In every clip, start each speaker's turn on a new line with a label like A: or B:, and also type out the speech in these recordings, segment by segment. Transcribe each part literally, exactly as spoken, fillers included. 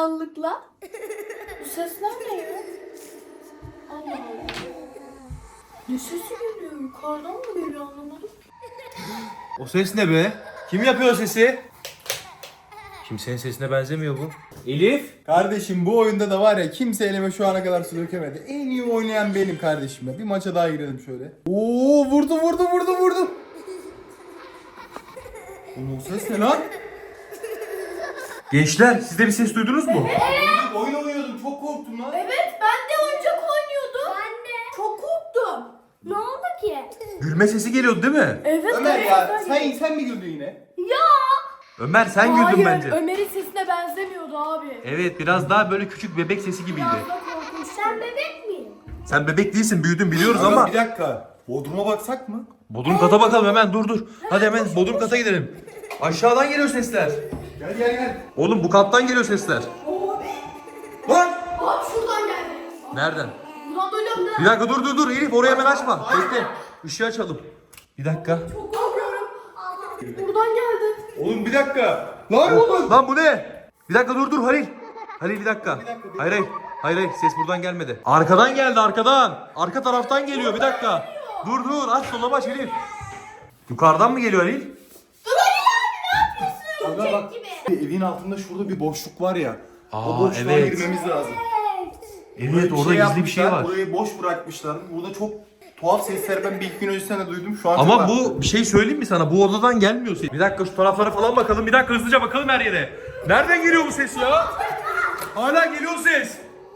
A: karanlıkla. Bu sesler ne ya? Allah Allah. Ne sesi geliyor? Yukarıdan mı geliyor anlamadım.
B: O ses ne be? Kim yapıyor o sesi? Kimsenin sesine benzemiyor bu. Elif.
C: Kardeşim bu oyunda da var ya kimse elime şu ana kadar su dökemedi. En iyi oynayan benim kardeşim ya. Bir maça daha girelim şöyle. Oo vurdu vurdu vurdu vurdu. Oğlum o ses ne lan?
B: Gençler siz de bir ses duydunuz mu?
C: Evet. Oyun oynuyordum çok korktum lan.
A: Evet ben de oyuncak oynuyordum. Ben de. Çok korktum.
D: Ne oldu ki?
B: Gülme sesi geliyordu değil mi?
A: Evet.
C: Ömer
A: evet,
C: ya
A: evet.
C: sen, sen mi güldün yine?
A: Ya.
B: Ömer sen
A: Hayır,
B: güldün bence.
A: Ömer'in sesine benzemiyordu abi.
B: Evet biraz daha böyle küçük bebek sesi gibiydi.
A: Biraz da korkunç.
D: Sen bebek miyim?
B: Sen bebek değilsin büyüdün biliyoruz
C: Ama
B: ama.
C: bir dakika. Bodrum'a baksak mı?
B: Bodrum kata bakalım hemen dur dur. Hadi hemen Bodrum kata gidelim. Aşağıdan geliyor sesler.
C: Gel gel gel.
B: Oğlum bu kattan geliyor sesler.
C: Lan!
A: Abi şuradan geldi.
B: Nereden?
A: Buradan duydum da.
B: Bir dakika dur dur dur Elif orayı hemen açma. Bekle. Işığı açalım. Bir dakika.
A: Çok korkuyorum. Buradan geldi.
C: Oğlum bir dakika. Lan oğlum.
B: Lan bu ne? Bir dakika dur dur Halil. Halil bir dakika. Hayır hayır. Hayır hayır ses buradan gelmedi. Arkadan geldi arkadan. Arka taraftan geliyor bir dakika. Dur dur aç dolabı aç Elif. Yukarıdan mı geliyor Halil?
C: Aga bak. Evin altında şurada bir boşluk var ya.
B: Aa,
C: o boşluğa
B: evet.
C: girmemiz lazım.
B: Evet
C: Buraya
B: orada gizli bir şey
C: yapmışlar,
B: var.
C: Burayı boş bırakmışlar. Burada çok tuhaf sesler ben bir iki gün öncesinde de duydum. Şu an çok
B: Ama
C: arttı.
B: bu bir şey söyleyeyim mi sana? Bu odadan gelmiyor ses. Bir dakika şu taraflara falan bakalım. Bir dakika hızlıca bakalım her yere. Nereden geliyor bu ses ya? Hala geliyor ses.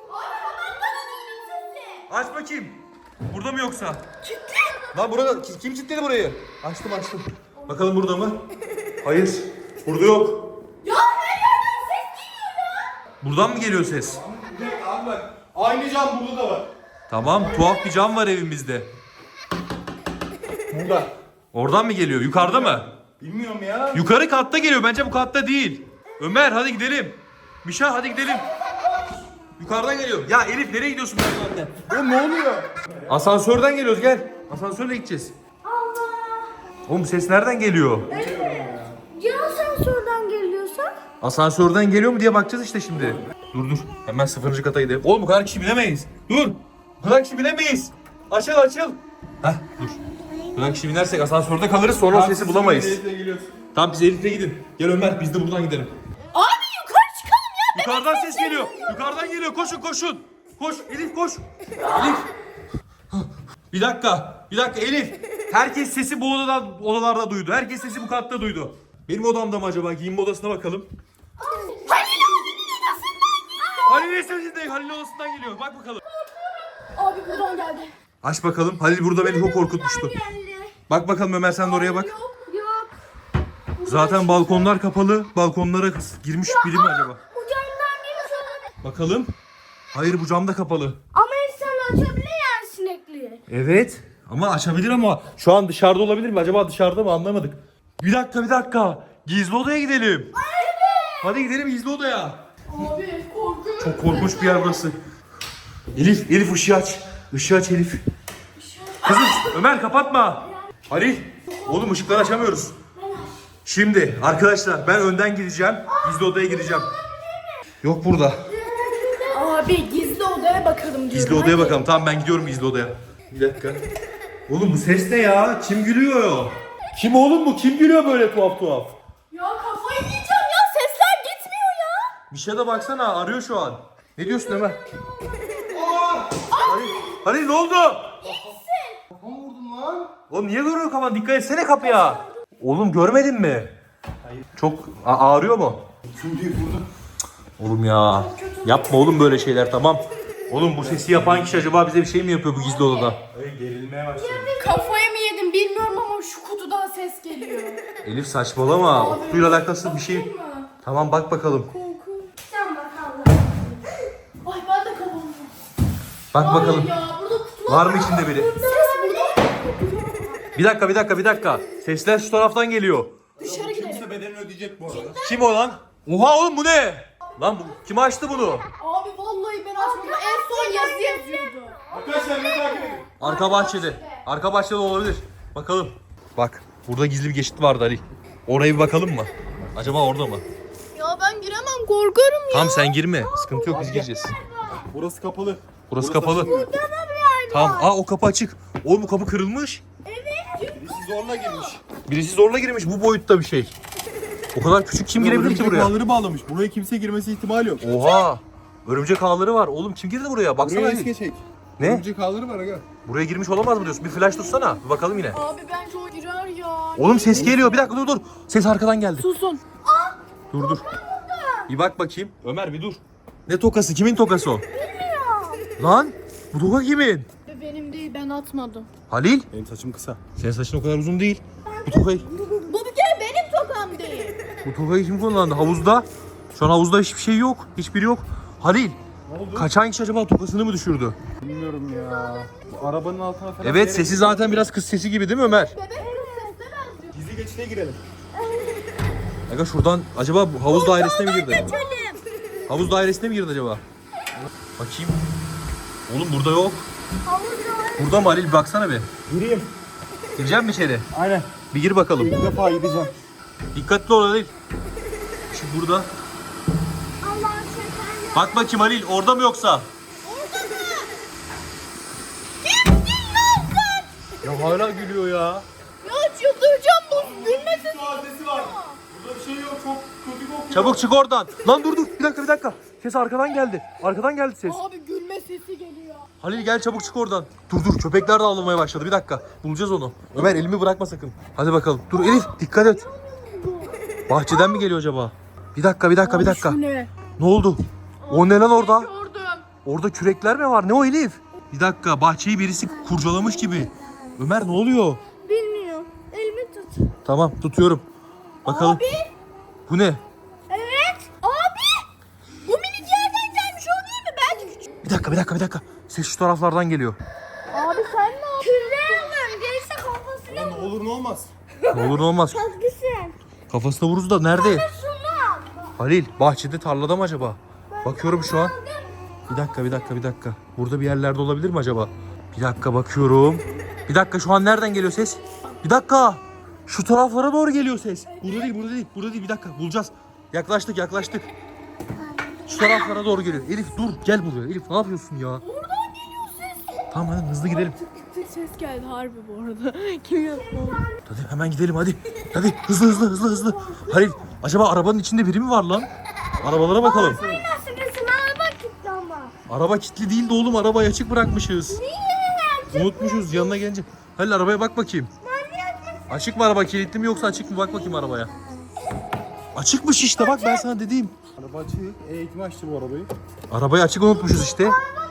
B: Aç bakayım. Burada mı yoksa? Kilitli. Lan burada ki- kim kilitledi burayı? Açtım açtım. Bakalım burada mı? Hayır. Burada yok.
A: Ya her yerden ses geliyor ya.
B: Buradan mı geliyor ses?
C: Bir dakika abi bak. Aynı cam burada da var.
B: Tamam tuhaf bir cam var evimizde.
C: Burada.
B: Oradan mı geliyor? Yukarıda mı?
C: Bilmiyorum ya.
B: Yukarı katta geliyor. Bence bu katta değil. Ömer hadi gidelim. Mişa hadi gidelim. Yukarıdan geliyor. Ya Elif nereye gidiyorsun bu saatte?
C: Oğlum ne oluyor?
B: Asansörden geliyoruz gel. Asansörle gideceğiz. Oğlum ses nereden geliyor?
D: Ya asansörden geliyorsa?
B: Asansörden geliyor mu diye bakacağız işte şimdi. Dur dur. Hemen sıfırıncı kata gidelim. Oğlum bu kadar kişi binemeyiz. Dur. Bu kadar kişi binemeyiz. Açıl açıl. Heh dur. Bu kadar kişi binersek asansörde kalırız sonra o sesi bulamayız. Tamam biz Elif'le gidin. Gel Ömer biz de buradan gidelim.
A: Abi yukarı çıkalım ya.
B: Yukarıdan ses geliyor. Yukarıdan geliyor. Koşun koşun. Koş Elif koş. Elif. Bir dakika. Bir dakika Elif. Herkes sesi bu odadan, odalarda duydu. Herkes sesi bu katta duydu. Benim odamda mı acaba? Giyinme odasına bakalım. Halil'in sesinden, Halil'in odasından geliyor. Bak bakalım.
A: Abi buradan geldi.
B: Aç bakalım. Halil burada beni çok korkutmuştu.
D: Geldi.
B: Bak bakalım Ömer sen de oraya bak.
A: Yok.
D: Yok.
B: Zaten balkonlar kapalı. Balkonlara girmiş biri mi acaba?
D: Bu camdan girmiş olabilir.
B: Bakalım. Hayır bu cam da kapalı.
D: Ama insan açabilir yani sinekliği.
B: Evet. Ama açabilir ama şu an dışarıda olabilir mi? Acaba dışarıda mı anlamadık. Bir dakika bir dakika. Gizli odaya gidelim. Hadi gidelim gizli odaya.
A: Abi korkuyorum.
B: Çok korkunç bir yer burası. Elif, Elif ışığı aç. Işığı aç Elif. Kızım Ömer kapatma. Halil. Oğlum ışıkları açamıyoruz. Şimdi arkadaşlar ben önden gideceğim. Gizli odaya gireceğim. Yok burada.
A: Abi gizli odaya bakalım diyorum.
B: Gizli odaya bakalım. Tamam ben gidiyorum gizli odaya. Bir dakika. Oğlum bu ses ne ya? Kim gülüyor? Kim oğlum bu? Kim gülüyor böyle tuhaf tuhaf?
A: Ya kafayı yiyeceğim ya sesler gitmiyor ya.
B: Bir şeye de baksana arıyor şu an. Ne diyorsun Ömer? Halil, Halil ne oldu?
C: Kafamı vurdum lan.
B: Oğlum niye görüyor kafan? Dikkat etsene kapıya. Oğlum görmedin mi? Hayır. Çok a- ağrıyor mu?
C: Tüm diye vurdum.
B: Oğlum ya. Yapma oğlum böyle şeyler tamam. Oğlum bu sesi yapan kişi acaba bize bir şey mi yapıyor bu gizli odada?
C: Ay gerilmeye başladım.
A: Kafayı mı yedim bilmiyorum ama şu kutudan ses geliyor.
B: Elif saçmalama. O kutuyla alakası bir şey.
A: Bakayım mı?
B: Tamam bak bakalım.
D: Sen bakalım.
A: Ay ben de kafamı.
B: Bak
A: Hayır
B: bakalım.
A: ya burada kutular
B: Var mı içinde biri?
A: Ses burada.
B: Bir dakika bir dakika bir dakika. Sesler şu taraftan geliyor.
A: Dışarı gidelim.
C: Kimse bedelini ödeyecek bu arada.
B: Kim o lan? Oha oğlum bu ne? Lan bu kim açtı bunu?
A: Abi vallahi ben açmadım. En son yazı yazıyordu.
C: Arkadaşlar ne takip edin.
B: Arka bahçede. Arka bahçede olabilir. Bakalım. Bak burada gizli bir geçit vardı Ali. Oraya bir bakalım mı? Acaba orada mı?
D: Yok
A: Ya ben giremem, korkarım ya.
B: Tamam sen girme. Sıkıntı yok biz gireceğiz.
C: Burası kapalı.
B: Burası kapalı.
C: açılmıyor.
B: Tamam. Aa o kapı açık. Oğlum bu kapı kırılmış.
C: Birisi zorla girmiş.
B: Birisi zorla girmiş bu boyutta bir şey. O kadar küçük kim girebilir ki
C: Örümcek
B: buraya?
C: ağları bağlamış. Buraya kimse girmesi ihtimali yok.
B: Oha. Örümcek ağları var. Oğlum kim girdi buraya? Baksana.
C: Buraya
B: Ali.
C: eski çek.
B: Ne?
C: Örümcek ağları var aga.
B: Buraya girmiş olamaz mı diyorsun? Bir flash tutsana. Bir bakalım yine.
A: Abi bence o girer ya.
B: Oğlum ses geliyor. Bir dakika dur dur. Ses arkadan geldi.
A: Susun.
B: Dur dur. Bir bak bakayım. Ömer bir dur. Ne tokası? Kimin tokası o? Lan bu toka kimin?
A: Benim değil, ben atmadım.
B: Halil.
C: Benim saçım kısa.
B: Senin saçın o kadar uzun değil. Bu tokayı,
A: Bu bir kere benim tokam değil.
B: bu tokayı kim kullandı? Havuzda. Şu an havuzda hiçbir şey yok. Hiçbiri yok. Halil.
C: Ne oldu?
B: Kaçan kişi acaba tokasını mı düşürdü?
C: Bilmiyorum ya. Bu arabanın altına falan.
B: Evet sesi zaten biraz kız sesi gibi değil mi Ömer?
A: Bebek kız sesler benziyor.
C: Gizli geçide girelim.
B: Aga şuradan acaba bu havuz dairesine mi girdi? Havuz dairesine mi girdi acaba? Bakayım. Oğlum burada yok. Burada mı Halil? Bir baksana bir.
C: Gireyim.
B: Gireceğim mi içeri?
C: Aynen.
B: Bir gir bakalım.
C: İlk defa gideceğim.
B: Dikkatli ol Halil. Şu burada.
D: Allah'ın şekerli.
B: Bak bakayım Halil orada mı yoksa? Ya hala gülüyor ya.
A: Ya çıldıracağım, bu gülme sesi.
C: Adresi var. Burada bir şey yok. Çok kötü kokuyor.
B: Çabuk çık oradan. Lan dur dur. Bir dakika bir dakika. Ses arkadan geldi. Arkadan geldi ses.
A: Abi gülme sesi geliyor.
B: Halil gel çabuk çık oradan. Dur dur köpekler de ağlamaya başladı. Bir dakika. Bulacağız onu. Ömer elimi bırakma sakın. Hadi bakalım. Dur Elif dikkat et. Bahçeden mi geliyor acaba? Bir dakika bir dakika bir dakika.
A: Şu ne?
B: Ne oldu? O ne lan orada?
A: Gördüm.
B: Orada kürekler mi var? Ne o Elif? Bir dakika bahçeyi birisi kurcalamış gibi. Ömer ne oluyor?
D: Bilmiyorum. Elimi tut.
B: Tamam tutuyorum. Bakalım.
A: Abi.
B: Bu ne?
A: Evet. Abi. Bu minik yerden gelmiş, o değil mi? Belki küçük.
B: Bir dakika bir dakika bir dakika. Ses şu taraflardan geliyor.
A: Abi sen ne yaptın?
D: Küreğe alıyorum. Gelirse kafasına
C: Ne olur ne olmaz.
B: Ne olur ne olmaz.
D: vurgusın.
B: Kafasına vururuz da nerede?
D: Şunu al.
B: Halil bahçede tarlada mı acaba? Bakıyorum şu an. Bir dakika bir dakika bir dakika. Burada bir yerlerde olabilir mi acaba? Bir dakika bakıyorum. Bir dakika şu an nereden geliyor ses? Bir dakika. Şu taraflara doğru geliyor ses. Burada değil burada değil burada değil bir dakika bulacağız. Yaklaştık yaklaştık. Şu taraflara doğru geliyor. Elif dur gel buraya. Elif ne yapıyorsun ya?
A: Oradan geliyor ses.
B: Tamam hadi hızlı gidelim.
A: Ses geldi harbi bu arada. Kim yaptı onu?
B: Hadi hemen gidelim hadi. Hadi hızlı hızlı hızlı hızlı. Halil acaba arabanın içinde biri mi var lan? Arabalara bakalım.
D: Nasıl gitsin? Araba gitti ama.
B: Araba kilitli değil de oğlum arabayı açık bırakmışız.
D: Niye?
B: Unutmuşuz yanına gelince. Halil arabaya bak bakayım. Açık mı araba kilitli mi yoksa açık mı bak bakayım arabaya. Açıkmış işte bak ben sana dediğim.
C: Araba açık. Eğitim açtı bu arabayı.
B: Arabayı açık unutmuşuz işte.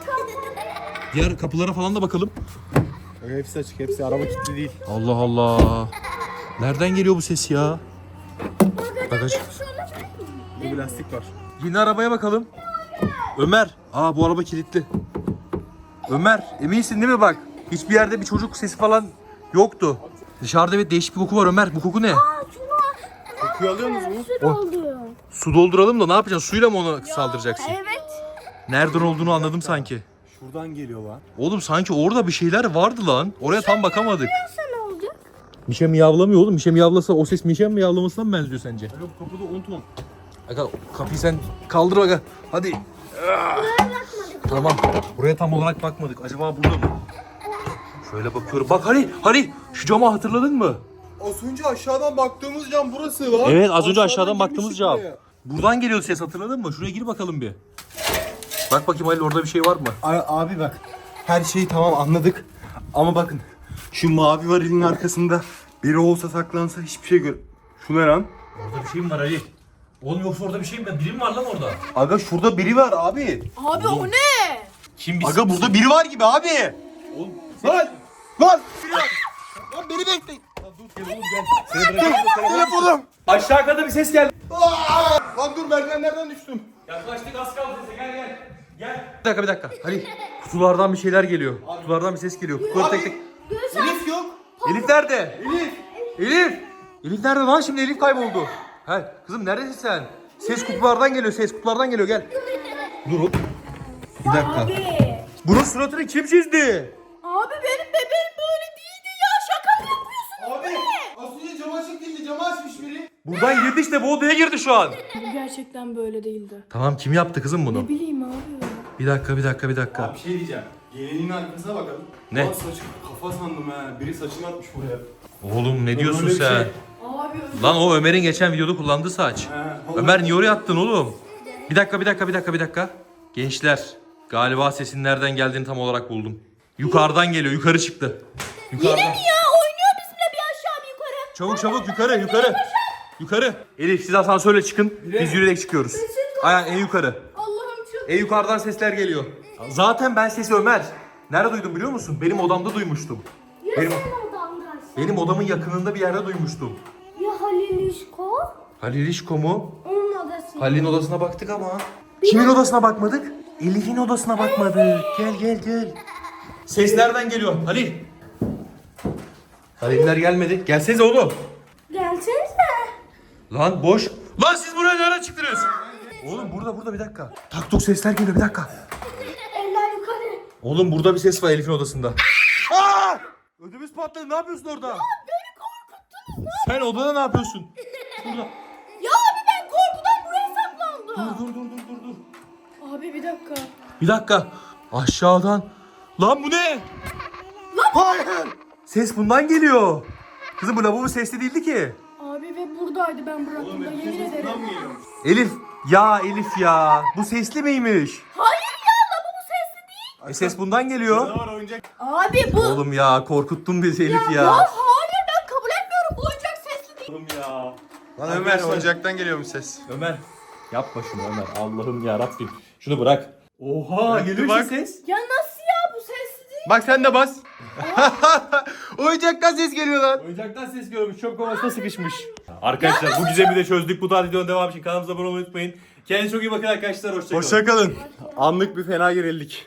B: Diğer kapılara falan da bakalım.
C: Aga hepsi açık. Hepsi araba kilitli değil.
B: Allah Allah. Nereden geliyor bu ses ya? Bagaj.
C: Bir lastik var.
B: Yine arabaya bakalım. Ömer. Aa bu araba kilitli. Ömer eminsin değil mi bak? Hiçbir yerde bir çocuk sesi falan yoktu. Dışarıda evet değişik bir koku var Ömer. Bu koku ne?
C: Kokuyu alıyorsunuz mu?
D: Süt oldu.
B: Su dolduralım da ne yapacaksın? Suyla mı onu saldıracaksın?
D: Evet.
B: Nereden olduğunu anladım sanki.
C: Şuradan geliyor lan.
B: Oğlum sanki orada bir şeyler vardı lan. Oraya tam bakamadık.
D: Nasıl ne olacak?
B: Mişe miyavlamıyor oğlum. Mişe miyavlasa o ses Mişe miyavlamasına mı benziyor sence?
C: Aga bu kapıda unutma.
B: Aga kapıyı sen kaldır aga. Hadi. Ah. Tamam. Buraya tam olarak bakmadık. Acaba burada mı? Şöyle bakıyorum. Bak Halil, Halil şu camı hatırladın mı?
C: Az önce aşağıdan baktığımız cam burası lan.
B: Evet, az önce aşağıdan baktığımız
C: girmiştik
B: cam.
C: buraya.
B: Buradan geliyordu ses hatırladın mı? Şuraya gir bakalım bir. Bak bakayım Halil orada bir şey var mı?
C: A- Abi bak. Her şeyi tamam anladık. Ama bakın. Şu mavi varilin arkasında biri olsa saklansa hiçbir şey gör. Şu ne lan?
B: Orada bir şey mi var Halil? Oğlum yoksa orada bir şey mi? Biri mi var lan orada?
C: Aga şurada biri var abi.
A: Abi o ne?
B: Kim bir
C: Aga burada biri var gibi abi.
B: Oğlum
C: Lan! Lan! Biri var. Lan beni bekleyin.
B: seni bırakayım.
C: Telefonum.
B: Aşağı kadar bir ses geldi.
C: Aa! Lan dur merdivenlerden düştüm.
B: Yaklaştık az kaldı sese gel gel. Gel. Bir dakika bir dakika. Halil kutulardan bir şeyler geliyor. Kutulardan bir ses geliyor. Kutuları tek tek.
C: Elif yok.
B: Elif nerede?
C: Elif.
B: Elif! Elif nerede lan şimdi Elif kayboldu. He kızım neredesin sen? Ses kutulardan geliyor ses kutulardan geliyor gel. Dur oğlum. Bir dakika. Bunun suratını kim çizdi?
A: Abi benim bebeğim böyle değildi ya. Şaka mı yapıyorsun?
C: Abi az önce cam açık değildi. Camı açmış biri.
B: Buradan girdi işte, bu odaya girdi şu an.
A: Bu gerçekten böyle değildi.
B: Tamam, kim yaptı kızım bunu?
A: Ne bileyim abi.
B: Bir dakika bir dakika bir dakika.
C: Abi bir şey diyeceğim. Geleneğin arkasına bakalım.
B: Ne?
C: Aa, saçı, kafa sandım ha. Biri saçını atmış buraya.
B: Oğlum ne diyorsun
C: Öyle bir
B: sen?
C: şey.
A: Abi özür
B: Lan o Ömer'in geçen videoda kullandığı saç.
C: Ha,
B: Ömer niye oraya attın oğlum? Bir dakika bir dakika bir dakika bir dakika. Gençler, galiba sesin nereden geldiğini tam olarak buldum. Yukarıdan geliyor, yukarı çıktı. Yukarıdan.
D: Ya oynuyor bizimle bir aşağı bir yukarı.
B: Çabuk çabuk yukarı yukarı. Yukarı. Elif siz asansörle çıkın. Biz yürüyerek çıkıyoruz. Aynen en yukarı.
A: Allah'ım çok.
B: En yukarıdan sesler geliyor. Zaten ben sesi Ömer. Nerede duydum biliyor musun? Benim odamda duymuştum. Benim,
D: Sen odamdaysın.
B: benim odamın yakınında bir yerde duymuştum.
D: Ya Halil İşko?
B: Halil İşko mu?
D: Onun odası.
B: Halil'in odasına baktık ama. Kimin odasına bakmadık? Elif'in odasına bakmadık. Gel gel gel. Ses nereden geliyor? Halil. Haliller gelmedi. Gelsenize oğlum.
D: Gelsenize.
B: Lan boş. Lan siz buraya nereden çıktınız? Oğlum burada burada bir dakika. Tak tuk sesler geliyor bir dakika.
D: Eller yukarı.
B: Oğlum burada bir ses var Elif'in odasında. Aa! Ödümüz patladı. Ne yapıyorsun orada? Ya beni korkuttunuz. Sen odada ne yapıyorsun? Burada.
D: Ya abi ben korkudan buraya saklandım.
B: Dur dur dur dur dur dur.
A: Abi bir dakika.
B: Bir dakika. Aşağıdan. Lan bu ne? Hayır. Ses bundan geliyor. Kızım bu lavabo sesli değildi ki.
A: Abi ve buradaydı ben bıraktığımda yemin ederim.
C: Buradan mı geliyor?
B: Elif. Ya Elif ya. Bu sesli miymiş?
D: Hayır ya lavabo sesli değil.
B: E ses bundan geliyor.
C: Ne var oyuncak?
D: Abi bu.
B: Oğlum ya korkuttun bizi Elif ya.
D: Ya hayır ben kabul etmiyorum. Bu oyuncak sesli değil.
B: Oğlum ya.
C: Lan Ömer oyuncaktan geliyormuş ses.
B: Ömer. Yapma şunu Ömer. Allah'ım ya Rabbim. Şunu bırak. Oha geliyor
C: bak.
B: işte ses.
D: Ya nasıl ya bu sesli değil?
C: Bak sen de bas. Oyuncaktan ses geliyor lan.
B: Oyuncaktan ses görmüş. Çöp kovasına sıkışmış. Arkadaşlar bu gizemi de çözdük. Bu tarz videonun devamı için kanalımıza abone olmayı unutmayın. Kendinize çok iyi bakın arkadaşlar. Hoşçakalın.
C: Hoşçakalın. Anlık bir fena gerildik.